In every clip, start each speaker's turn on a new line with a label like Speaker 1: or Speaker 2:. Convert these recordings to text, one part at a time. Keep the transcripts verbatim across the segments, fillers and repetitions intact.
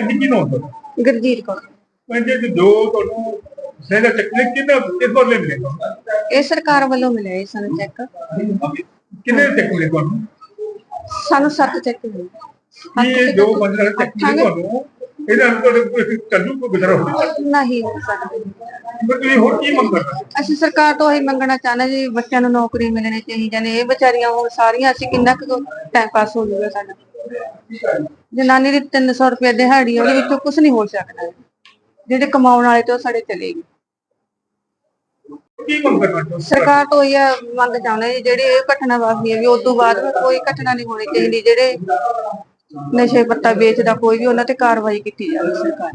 Speaker 1: ਅਸੀਂ ਕੀ ਨਾਮ ਤੁਹਾਡਾ?
Speaker 2: ਗੁਰਜੀਤ ਕੌਰ।
Speaker 1: ਕਹਿੰਦੇ ਕਿ ਜੋ ਤੁਹਾਨੂੰ ਸਹਿਦਾ ਚੱਕਲੇ ਕਿੰਨਾ ਕਿਸ ਵਾਰ ਲੈ ਮਿਲੇਗਾ?
Speaker 2: ਇਹ ਸਰਕਾਰ ਵੱਲੋਂ ਮਿਲਿਆ ਜੀ ਸਾਨੂੰ ਚੈੱਕ।
Speaker 1: ਕਿੰਨੇ ਚੱਕਲੇ ਤੁਹਾਨੂੰ?
Speaker 2: ਸਾਨੂੰ ਸੱਤ ਚੈੱਕ ਮਿਲੇ।
Speaker 1: ਕੀ ਇਹ ਜੋ ਪੰਜ ਲੱਖ ਚੱਕਲੇ ਤੁਹਾਨੂੰ ਇਹਦਾ ਅੰਦਰ ਕੋਈ ਚੱਲੂ ਕੋਈ ਗੁਜ਼ਰਾ ਹੋਵੇ?
Speaker 2: ਨਹੀਂ ਹੋ ਸਕਦਾ।
Speaker 1: ਪਰ ਤੁਸੀਂ ਹੋਰ ਕੀ ਮੰਗ ਕਰਦੇ?
Speaker 2: ਅਸੀਂ ਸਰਕਾਰ ਤੋਂ ਇਹੀ ਮੰਗਣਾ ਚਾਹੁੰਦੇ ਜੀ, ਬੱਚਿਆਂ ਨੂੰ ਨੌਕਰੀ ਮਿਲਣੀ ਚਾਹੀਦੀ ਨੇ। ਇਹ ਵਿਚਾਰੀਆਂ ਹੁਣ ਸਾਰੀਆਂ ਅਸੀਂ ਕਿੰਨਾ ਕੁ ਟਾਈਮ ਪਾਸ ਹੋ ਜਾਊਗਾ ਸਾਡਾ। ਜਨਾਨੀ ਦੀ ਤਿੰਨ ਸੌ ਰੁਪਏ ਦਿਹਾੜੀ, ਉਹਦੇ ਵਿੱਚੋਂ ਕੁਛ ਨਹੀਂ ਹੋ ਸਕਦਾ। ਜਿਹੜੇ ਕਮਾਉਣ ਵਾਲੇ ਤੋਂ ਸਾਡੇ ਚਲੇ ਗਏ।
Speaker 1: ਕੀ ਮੰਗ ਕਰਨਾ?
Speaker 2: ਸਰਕਾਰ ਤੋਂ ਇਹ ਮੰਗ ਚਾਹੁੰਦੇ ਜੀ, ਜਿਹੜੀ ਇਹ ਘਟਨਾ ਵਾਪਰੀ ਹੈ ਵੀ ਉਸ ਤੋਂ ਬਾਅਦ ਕੋਈ ਘਟਨਾ ਨਹੀਂ ਹੋਣੀ ਚਾਹੀਦੀ। ਜਿਹੜੇ ਨਸ਼ੇ ਪੱਤਾ ਵੇਚਦਾ ਕੋਈ ਵੀ, ਉਹਨਾਂ ਤੇ ਕਾਰਵਾਈ ਕੀਤੀ ਜਾਵੇ ਸਰਕਾਰ।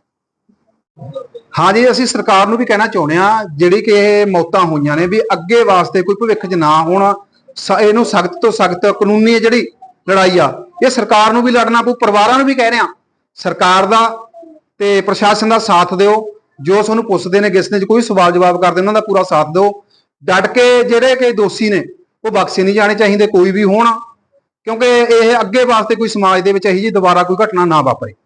Speaker 3: ਹਾਂ ਜੀ, ਅਸੀਂ ਸਰਕਾਰ ਨੂੰ ਵੀ ਕਹਿਣਾ ਚਾਹੁੰਦੇ ਆ, ਜਿਹੜੀ ਕਿ ਇਹ ਮੌਤਾਂ ਹੋਈਆਂ ਨੇ ਵੀ ਅੱਗੇ ਵਾਸਤੇ ਕੋਈ ਭਵਿੱਖ 'ਚ ਨਾ ਹੋਣ। ਇਹਨੂੰ ਸਖਤ ਤੋਂ ਸਖਤ ਕਾਨੂੰਨੀ ਜਿਹੜੀ ਲੜਾਈ ਆ, ਇਹ ਸਰਕਾਰ ਨੂੰ ਵੀ ਲੜਨਾ ਪਊ। ਪਰਿਵਾਰਾਂ ਨੂੰ ਵੀ ਕਹਿ ਰਹੇ ਆ, ਸਰਕਾਰ ਦਾ ਤੇ ਪ੍ਰਸ਼ਾਸਨ ਦਾ ਸਾਥ ਦਿਓ। ਜੋ ਤੁਹਾਨੂੰ ਪੁੱਛਦੇ ਨੇ, ਕਿਸ ਨੇ ਕੋਈ ਸਵਾਲ ਜਵਾਬ ਕਰਦੇ, ਉਹਨਾਂ ਦਾ ਪੂਰਾ ਸਾਥ ਦਿਓ। ਡਟ ਕੇ ਜਿਹੜੇ ਕਿ ਦੋਸ਼ੀ ਨੇ ਉਹ ਬਖਸ਼ੇ ਨਹੀਂ ਜਾਣੇ ਚਾਹੀਦੇ, ਕੋਈ ਵੀ ਹੋਣ, ਕਿਉਂਕਿ ਇਹ ਅੱਗੇ ਵਾਸਤੇ ਕੋਈ ਸਮਾਜ ਦੇ ਵਿੱਚ ਇਹੋ ਜਿਹੀ ਦੁਬਾਰਾ ਕੋਈ ਘਟਨਾ ਨਾ ਵਾਪਰੇ।